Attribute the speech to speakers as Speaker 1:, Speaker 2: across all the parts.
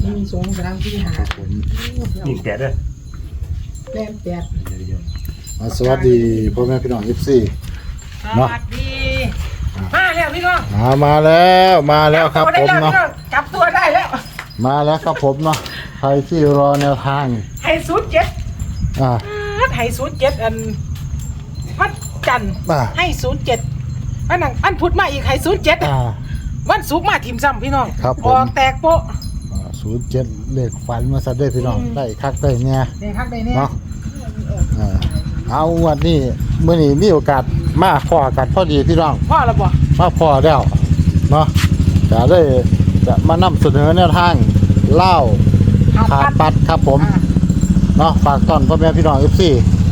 Speaker 1: มีสงกำลังที่หา
Speaker 2: ผม
Speaker 3: ยิงแปดด้วย
Speaker 1: แล่นแปด
Speaker 2: สวัสดีพ่อแม่พี่น้องFC
Speaker 1: สวัสดีมาแล้วพี่น้อง
Speaker 2: มาแล้วครับผมเนาะ
Speaker 1: จับตัวได้แล้ว
Speaker 2: มาแล้วครับผมเนาะใครที่รอแนวทาง
Speaker 1: ไฮซูดเจ็ด
Speaker 2: อ่า
Speaker 1: ไฮซูดเจ็ดอันวัดจันทร์ให้ศูนย์เจ็ดอันพุธมาอีกไฮซูดเจ็ด วันศุกร์มาทีมซ้ำพี่น้อง
Speaker 2: ครับผม
Speaker 1: ออกแตกโป๊ะ
Speaker 2: 07เลขฝันมาซะด้วยพี่น้องได้คักได้เนี่ย
Speaker 1: เด็กคักได้เนี่ย
Speaker 2: เนาะเอาวันนี้มื้อนี้มีโอกาสมาพอกันพอดีพี่น้อง
Speaker 1: พ่อเราบอก
Speaker 2: มาพอแล้วเนาะจะได้จะมานำเสนอแนวทางเล่าขาดปัดครับผมเนาะฝากต้อนพ่อแม่พี่น้อง FC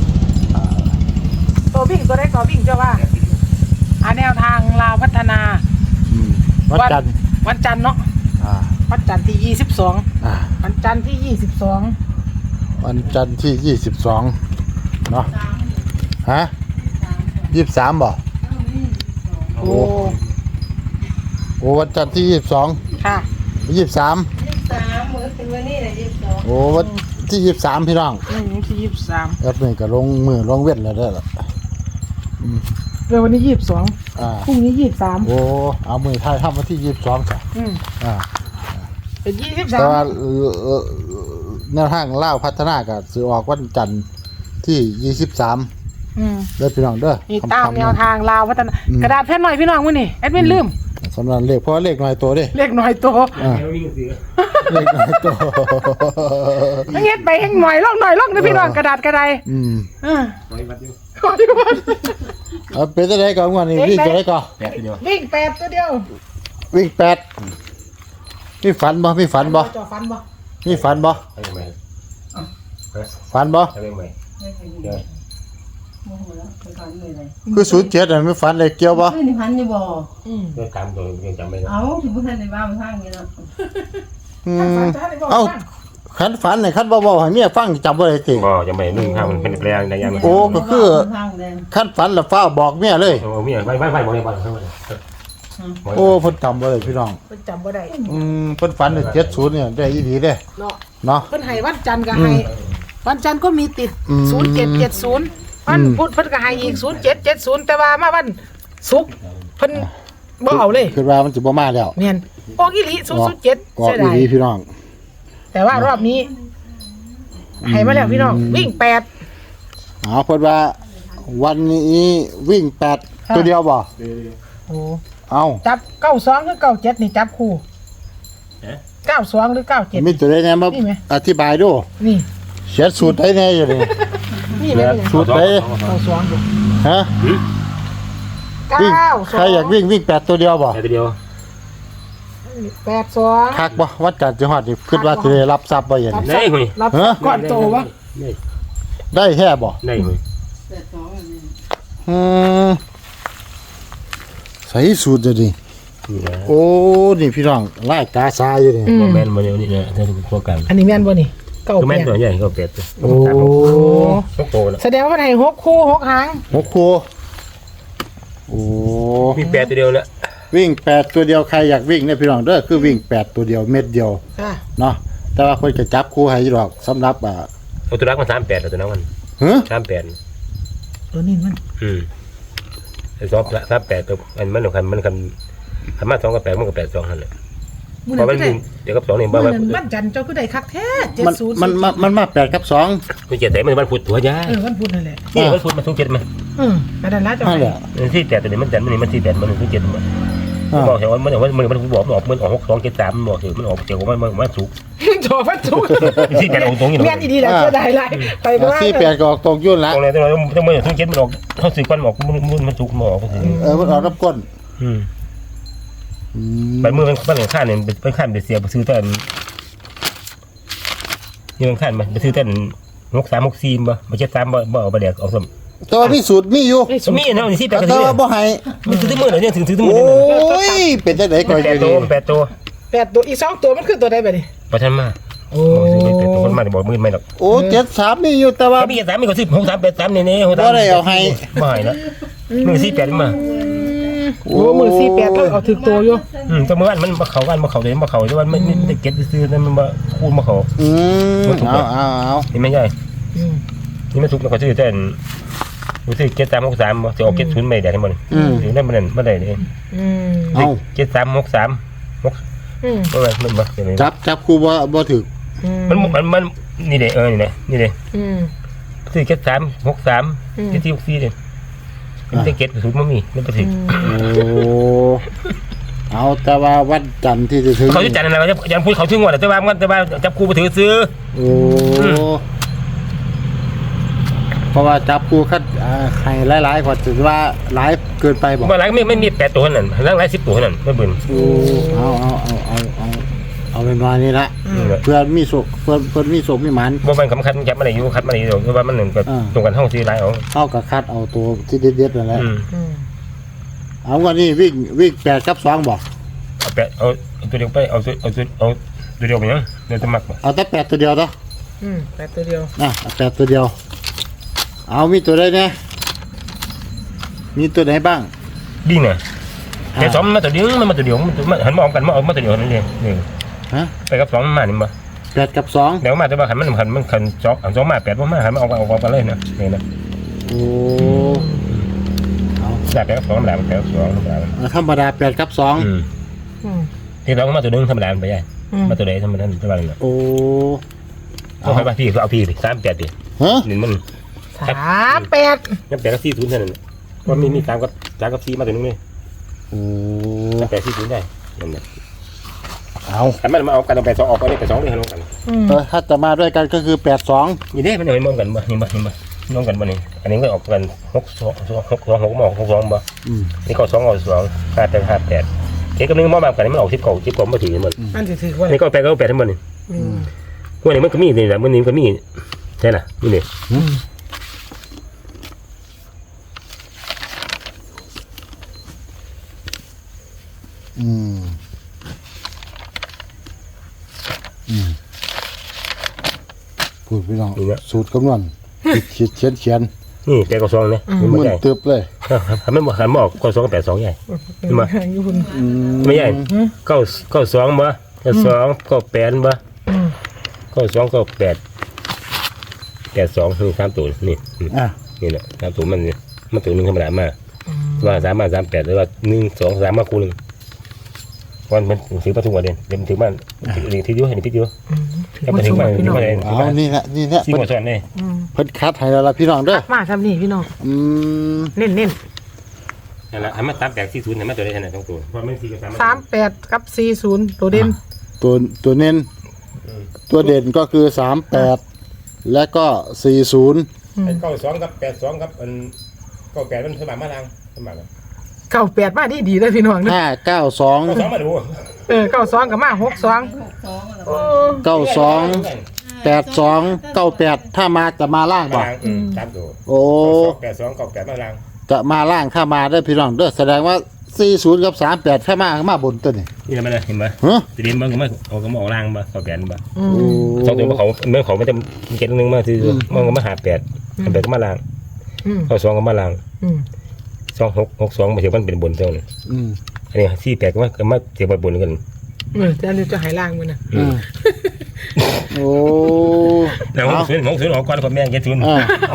Speaker 1: ตัววิ่งตัวได้ก็วิ่งเจ้าว่าแนวทางลาวพัฒนา
Speaker 2: วันจันทร์
Speaker 1: วันจันทร์เนาะ วันจันทร์ที่ 22วันจันทร์ที่ 22
Speaker 2: วันจันทร์ที่22เนาะฮะ23บ่โอ้วันจันทร์ที่22
Speaker 1: ค่ะ
Speaker 2: 23
Speaker 4: มื้อถึงวันนี้แหละ22
Speaker 2: โอ้วันที่23พี่น้อง
Speaker 1: ที่23
Speaker 2: แอปนี่ก็ลงมือลงเว้นแล้วเด้อล่ะ
Speaker 1: เรื่องวันนี้22พรุ่งนี้23
Speaker 2: โอ้เอามือไทยทำวันที่22จ้ะ
Speaker 1: เป็น
Speaker 2: แต่ว่า
Speaker 1: 23
Speaker 2: แนวทางเล่าพัฒนาก็สิออกวันจันทร์ที่23เด้อพี่น้องเด้อ
Speaker 1: นี่ตามแนวทางลาวพัฒนากระดาษแผ่นหน่อยพี่น้องมื้อนี้แอดมินลืม
Speaker 2: สำหรับเลขเพราะเลขน้อยตัวเด้
Speaker 1: เลขหน่อยโต
Speaker 3: วิ่งเสือ
Speaker 2: เลขน้อยตัว
Speaker 1: เฮ็ดไปแห่งหน่อยลงนะพี่น้องกระดาษกระได
Speaker 3: ไว้วัดอยู่
Speaker 1: ขออยู่บ้าน
Speaker 2: เอาเป็นจังได๋ก่อนวันนี้วิ่งจังได๋ก่อน
Speaker 3: แปดเดียว
Speaker 1: วิ่ง8ตัวเดียว
Speaker 2: วิ่ง8มีฝันบ่มีฝันบ่
Speaker 1: จอฟันบ่
Speaker 2: มีฝันบ่
Speaker 3: ให้ไหม
Speaker 2: ฝันบ่
Speaker 3: ให้ไหมเดี๋ยว
Speaker 4: โมโหแล้วไปก่อนเลยเลย
Speaker 2: คือ07น่ะมีฝันเลขเกี่ยวบ่
Speaker 4: ขึ้นพันนี่บ่
Speaker 3: เดี๋ยวตามตัวยังจำไม่ได้
Speaker 4: เอ้าถึงบ่ทันได้ว่าทางนี้เนาะ
Speaker 2: เอ้าคันฝันนี่คันบ่ให้เมียฟังจำบ่ได้ติ
Speaker 3: บ่จำไม่ได้นึ่งข้าวมันเป็นแปลงในยาม
Speaker 2: โอ้ก็คือ
Speaker 4: ทางแดง
Speaker 2: คันฝันแล้วฟ้าบอกเมียเลย
Speaker 3: โอ้มีอะไรไม่บอกเลยบอกเลย
Speaker 2: โอ้เพิ่นจำบ่ได้พี่น้อง
Speaker 1: เพิ่นจำบ่ได้
Speaker 2: เพิ่นฝัน70เนี่ยได้อีหลีเด้
Speaker 1: เนาะ
Speaker 2: เนาะ
Speaker 1: เพิ่นให้วันจันทร์ก็ให้วันจันทร์ก็มีติด 0770วันพุธเพิ่นก็ให้อีก0770แต่ว่ามาวันศุกร์เพิ่นบ่เอาเลย
Speaker 2: คือว่ามันสิบ่มาแล้ว
Speaker 1: แม่นออกอีหลี007
Speaker 2: ก็
Speaker 1: เสีย
Speaker 2: อี
Speaker 1: ดาย
Speaker 2: หลีพี่น้อง
Speaker 1: แต่ว่ารอบนี้ให้มาแล้วพี่น้องวิ่ง8
Speaker 2: เพิ่นว่าวันนี้วิ่ง8ตัวเดียวบ่
Speaker 1: โอ้
Speaker 2: เอ้า
Speaker 1: จับ92หรือ97นี่จับคู่92หรือ97
Speaker 2: มีตัวใดแน่มา
Speaker 1: นี่ไหม
Speaker 2: อธิบายดู
Speaker 1: นี่
Speaker 2: เขียนสูตรได้แน่อยู่นี่
Speaker 1: นี่ไหมนี่
Speaker 2: สูตรได้
Speaker 1: 92อยู่
Speaker 2: ฮะวิ่งใครอยากวิ่ง8ตัวเดียวบ่
Speaker 3: แปดเดียว
Speaker 1: 82
Speaker 2: คักบ่วัดจันทร์จังหวัดนี่คิดว่าสิได้รับทรัพย์บ่อย่างนี้
Speaker 3: ได้คุย
Speaker 1: รับก่อนโตวะ
Speaker 2: ได้แท้บ่
Speaker 3: ได้คุย
Speaker 4: 82นี่
Speaker 2: อืมใส่สูตรจะดิ
Speaker 3: นี่นะ
Speaker 2: โอ้นี่พี่น้องลายกาซาอยู่นี่
Speaker 3: แม่นมาเดี๋ยวนี้นะถ้าพวกกัน
Speaker 1: อันนี้แม่นบ่นี่เก้า
Speaker 3: คือแม่นตัว
Speaker 1: แปด
Speaker 3: ใหญ่ก็แปดตัว
Speaker 2: โอ้
Speaker 3: ต้องโตนะ
Speaker 1: แสดงว่าให้6คู่6หาง
Speaker 2: หกครูโอ้
Speaker 3: มีแปดตัวเดียวแล้ว
Speaker 2: วิ่ง8ตัวเดียวใครอยากวิ่งเนี่ยพี่น้องเด้อคือวิ่ง8ตัวเดียวเม็ดเดียว
Speaker 1: ค่ะ
Speaker 2: เนาะแต่ว่าคนจะจับคู่ให้อยู่ดอกสำหรับ
Speaker 3: เอาตัวรักมัน38ตัวนั้นมัน
Speaker 2: ฮะ
Speaker 3: 38
Speaker 1: ตัวนี้มัน
Speaker 3: ไอ้สอง38ตัวมันมันคันมา2กับ8มันก็82นั่นแหละ
Speaker 1: มื้อ
Speaker 3: เพราะ
Speaker 1: นั้
Speaker 3: มัน น
Speaker 1: ก็ได้
Speaker 3: เดี๋ยวกับ2นี่
Speaker 1: มื้
Speaker 3: บ่
Speaker 1: อ
Speaker 3: ว่า
Speaker 1: นั้นวันจันทร์เจ้าคือได้คักแท้
Speaker 2: มัน
Speaker 1: 70
Speaker 2: มันมา8กับ2
Speaker 3: มันเจ็ดแต่มันพุธตัวยา
Speaker 1: วันพุธนั่นแหละ
Speaker 3: นี่มันพุธมันทุกเจ็ดมั้ย
Speaker 1: กระดานละเจ้า
Speaker 2: นั่นแหละ
Speaker 3: มันที่8ตัวนี้มันจันมันที่8มันทุกเจ็ดมั้ยบอกแต่ว่ามันบอกมันออกมันออก6 2 7 3มันบอกมันออกเจ้ามันสุก
Speaker 1: จอพัดสุก
Speaker 3: ที่8ออกตรงนี้
Speaker 1: แม่นอีดีแล้วจะได้หลายไปบ่ว่า
Speaker 2: ที่8ก็ออกตรงยุ่นละ
Speaker 3: ตรงไหนต้องมันทุกเจ็ดมันออกเฮาซื้อก่อนออกมันสุกมันออกก็คือ
Speaker 2: มันออกน้ำก้น
Speaker 3: ไปมือมันข้างเนี่ยไปข้างไปเสียไปซื้อต้นนี่มันข้างไปซื้อต้น6364บ่บ่73บ่เอาไปแดกเอาสม
Speaker 2: แต่ว่ามีสูตรมีอยู่
Speaker 3: มีเนาะนี่สิ8ก็
Speaker 2: แต่
Speaker 3: ซื้อ
Speaker 2: ว่าบ่ให้
Speaker 3: มันซื้อมื้อเนี่ยถึงมื้อ
Speaker 2: โอ้
Speaker 3: เนี่ย
Speaker 2: ยเป็นจังได๋ก็อยู่
Speaker 3: 8ตัว
Speaker 2: นี่
Speaker 3: 8ตัว
Speaker 1: 8ตัวอีก2ตัวมันคือตัวใดบัดนี้
Speaker 3: บ่ทันมา
Speaker 1: โอ้
Speaker 3: ซื้อ8ตัวคนมาบ่มื้อไม่หรอก
Speaker 2: โอ้73มีอยู่แต่ว่า
Speaker 3: มี3มีก็ซื้อ6383นี่ๆ
Speaker 2: บ่ได้เอาให้
Speaker 3: บ่ให้นะมื้อ48มา
Speaker 1: โอ้มือ48แล้วเอาถึกตัวอยู่
Speaker 3: แต่เมื่อวานมันมาเขาวันมาเขาเลยมาเขาด้วยวันไม่ได้เก็ตซื้อนั่นมันมาคูณมาเขา
Speaker 2: เอา
Speaker 3: นี่ไม่ใช่
Speaker 1: อืม
Speaker 3: นี่ไม่ถูกนะเขาซื้อแต่รู้สึกเก็ต363จะออกเก็ต0ไม่ได้ทั้งหมดถึงได้มันได้เลย
Speaker 1: อืม
Speaker 2: เอา
Speaker 3: เก็ต363
Speaker 1: อืม
Speaker 3: มันมาอย่างนี้
Speaker 2: จับครูบ่ถึก
Speaker 3: มันนี่เด้นี่เด้นี่เด้
Speaker 1: อืม
Speaker 3: ซื้อเก็ต363เก็ต464เลยมันจะเก็ต0มันมีมันไปถึง
Speaker 2: โอ้เอาแต่ว่าวันจันทร์ที่จะถึง
Speaker 3: เขาจะจัดอะไรยังพูดเขาถึงว่าแต่ว่าจับครูไปถือซื้อ
Speaker 2: โอ้เพราะว่าจับครูคัดให้หลายๆกว่าถือว่าหลายเกินไปบอก
Speaker 3: เมื่อไรไม่มี8ตัวนั่นทั้งหลาย10ตัวนั่นไม่เบิ่น
Speaker 2: โอ้เอาเป็นว่านี่ละเพื่อนมีโศกเพื่อนมีโศกมีหมัน
Speaker 3: บ่มันสำคัญจับมาได้อยู่คัดมาได้อยู่คือว่ามันหนึ่งก็ตรงกันห้องซื้อหลายเอา
Speaker 2: เข้ากับคัดเอาตัวที่เด็ดๆนั่นแหละ
Speaker 1: อืม
Speaker 2: เอาวันนี้วิ่ง8 กับ 2บอก
Speaker 3: เอาตัวเดียวไปเอาตัวเดียวไปยังเดี๋ยวจะมัก
Speaker 2: เอาแต่8ตัวเดียวเนาะ
Speaker 1: 8ตัวเดียว
Speaker 2: 8ตัวเดียวเอามีตัวใดเนี่ยมีตัวไหนบ้าง
Speaker 3: ดิ้งน่ะแต่สองมาตัวเดียวมันมาตัวเดียวมันหันมองกันมาเอามาตัวเดียวนั่นเองนี่
Speaker 2: ฮะ
Speaker 3: ไปกับ2มานี่บ่
Speaker 2: 8 กับ 2
Speaker 3: เดี๋ยวมาแต่ว่าหันมันคัน2มา8บ่มาหันมาเอากันเลยนะนี่นะ
Speaker 2: โอ้เอา
Speaker 3: ได้ไปกับ2ธรรมดาไปกับ2ธรรมดา
Speaker 2: ธรรมดา8 กับ 2
Speaker 1: อืม
Speaker 3: ที่เรามาตัวนึงธรรมดาไปใหญ่มาตัวใดธรรมดาจะว่าอะไร
Speaker 2: โอ้
Speaker 3: เอาไปพี่เอาพี่38ดิ
Speaker 2: ฮะ
Speaker 3: นี่มัน
Speaker 1: 38
Speaker 3: ยัง8กับ40เท่านั้นว่ามี3กับ4มาตัวนึงนี่
Speaker 2: โอ้
Speaker 3: 8 40ได้นั่นแหละ
Speaker 2: เอา
Speaker 3: แต่มันมาเอากันเอา8 2ออกไปได้8 2เลยลงกัน
Speaker 2: ถ้าจะมาด้วยกันก็คือ8 2
Speaker 3: นี่เด้มันเอามองกันบ่นี่บ่มองกันบ่นี่อันนี้ก็ออกกัน6 2 6มาออก6 2บ่นี่ก็2เอา2 5 8 5 8เก็กับนึงมาแบบกันมันออก10 9 10บ่ถือหมด
Speaker 1: มันสิถือว่า
Speaker 3: นี่ก็8ก็8ทั้งหมดนี่
Speaker 1: อืม
Speaker 3: พวกนี้มันก็มีนี่แหละมันนี่ก็มีใช่ล่ะนี่นี่
Speaker 2: พูดพี่น้องสูตรคำนวณเขียน
Speaker 3: นี่8กับ2นี่
Speaker 2: มึ
Speaker 3: มัน
Speaker 2: น
Speaker 3: ใหญ่
Speaker 2: ตึบเลย
Speaker 3: มันบ่หันมาออกก็2กับ8 2ใหญ่ มา
Speaker 1: อยู่คุณ
Speaker 3: ไม่ใหญ่9 2บ่2 9 8บ่9 2 9 8 8 2นี่3ตัวนี่ นี่แหละ3ตัวมันตัวนึงธรรมดามาว่า3มา38หรือว่า1 2 3มาคู่นึงวันมันถือมาทุกวันเดือนถือมาถืออยู่เห็นถืออยู่ถ้ามันถือมาถือมา
Speaker 2: เอานี่แหละ
Speaker 3: ซีหัวซ้อนนี่
Speaker 2: เพิ่นคัดให้แล้วล่ะพี่น้องเด้อ
Speaker 1: มาทำนี่พี่น้องเน้น
Speaker 3: นั่นแหละทำมา38 40ทำมาตัวได้ขนาด2ตัวเพราะมัน4กับ3
Speaker 1: 38กับ40ตัวเด่น
Speaker 2: ตัวเน้นตัวเด่นก็คือ38และก็40
Speaker 3: 92กับ82กับ98มันสมัครมาทางสมัคร
Speaker 1: 98มาดีเลยพี่น้องเด้อ
Speaker 2: 592
Speaker 3: 92มาดู
Speaker 1: 92กับมา62
Speaker 2: 92 82 98ถ้ามาจะมาล่างบ่
Speaker 3: 3ตัว
Speaker 2: โอ้
Speaker 3: 82 98มาทาง
Speaker 2: จะมาล่างถ้ามาได้อพี่น้องเด้อแสดงว่า40กับ38ถ้ามาบนตัวนี่
Speaker 3: นี่มันเห็นไหม
Speaker 2: ฮะ
Speaker 3: ตีนมันก็ไม่ออกก็มาออกล่างบ่98บ่
Speaker 2: โอ้
Speaker 3: 2ตัวเขาเมื่อเขาไม่จะเก็ตนึงมาคือมันก็มา58ก็มาล่าง92ก็มาล่าง26 62มาเทียบมันเป็นบนเท่านั้นอันนี้48ก็มาเทียบบนกัน
Speaker 1: จะอันนี้จะหายล่างมันน่ะ
Speaker 2: โอ้
Speaker 3: แล้ว60ออกก่อนกับแม่งเก็ต0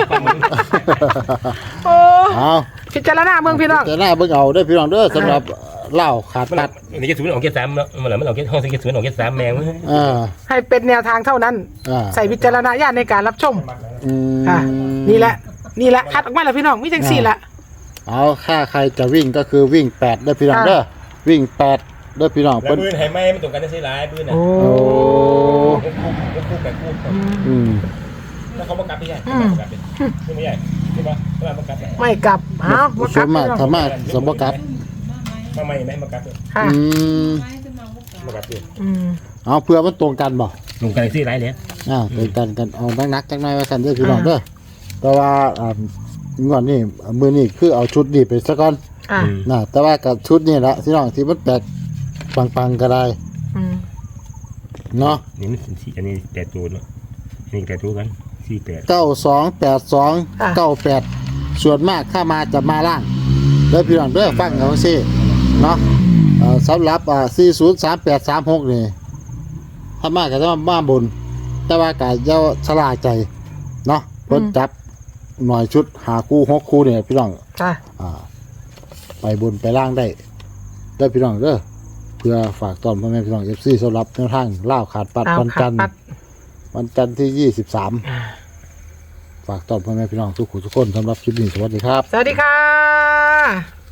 Speaker 1: โอ้
Speaker 2: เอา
Speaker 1: พิจารณาเมืองพี่น้อง
Speaker 2: จะหน้าเบิ่งเอาเด้อพี่น้องเด้อสำหรับเหล้าขาดตัด
Speaker 3: อันนี้เก็ต0ออกเก็ต3แล้วมันออกเก็ตห้องเก็ต0ออกเก็ต3แมง
Speaker 1: ให้เป็นแนวทางเท่านั้น ใส่วิจารณญาณในการรับชมนี่แหละคัดออกมาแล้วพี่น้องมีจังสี่ละ
Speaker 2: เอาค่าใครจะวิ่งก็คือวิ่ง8เด้อพี่น้องเด้อวิ่ง8เด้อพี่น้อง
Speaker 3: แล้วปืนไห้ไหมมันตรงกันได้ใช่หลายปืนน่ะ
Speaker 1: โอ้
Speaker 3: คู่แบบคู่แล้วเขามากลับพี่ใหญ่มากลับพี่ใหญ่ใช่ปะเขามากลับ
Speaker 1: ไม่กลับอ้าวบ่ก
Speaker 2: ส
Speaker 1: ลับ
Speaker 2: มมาธรรมะสมบกับ
Speaker 3: มาใหม่ไหมมากลับ
Speaker 1: ค่ะ
Speaker 3: มากลับพี่
Speaker 2: เอาเพื่อมันตรงกันบ่
Speaker 3: ตรงกันที่หลายเลย
Speaker 2: ตรงกันเอานักจักหน่อยว่าซั่นเด้อพี่น้องเด้อแต่ว่างวดนี้มื้อนี้คือเอาชุดนี้ไปซะก่อนแต่ว่ากับชุดนี้ละพี่น้องที่มันแปลกปังๆก็ได้เนาะ
Speaker 3: นี่มันสี่อันนี้8ตัวเนาะนี่8ตัวกัน48
Speaker 2: 9282 98ส่วนมากถ้ามาจะมาล่างแล้วพี่น้องเด้อฟังเอาซิเนาะสำหรับ403836นี่ถ้ามาก็จะมาบน แต่ว่าก็อย่าชะล่าใจเนาะเพิ่นจับหน่อยชุด5คู่6คู่เนี่ยพี่น้อง
Speaker 1: จ้ะ
Speaker 2: ไปบนไปล่างได้พี่น้องเด้อเพื่อฝากตอนพ่อแม่พี่น้อง FC สำหรับแนวทางล่าวขาดปัด
Speaker 1: เอา
Speaker 2: วัน
Speaker 1: ขั
Speaker 2: จั
Speaker 1: ด
Speaker 2: นทร์
Speaker 1: ปัด
Speaker 2: วันจันทร์ที่23ฝากตอนพ่อแม่พี่น้องทุกคนสำหรับคลิปนี้สวัสดีครับ
Speaker 1: สวัสดีค่ะ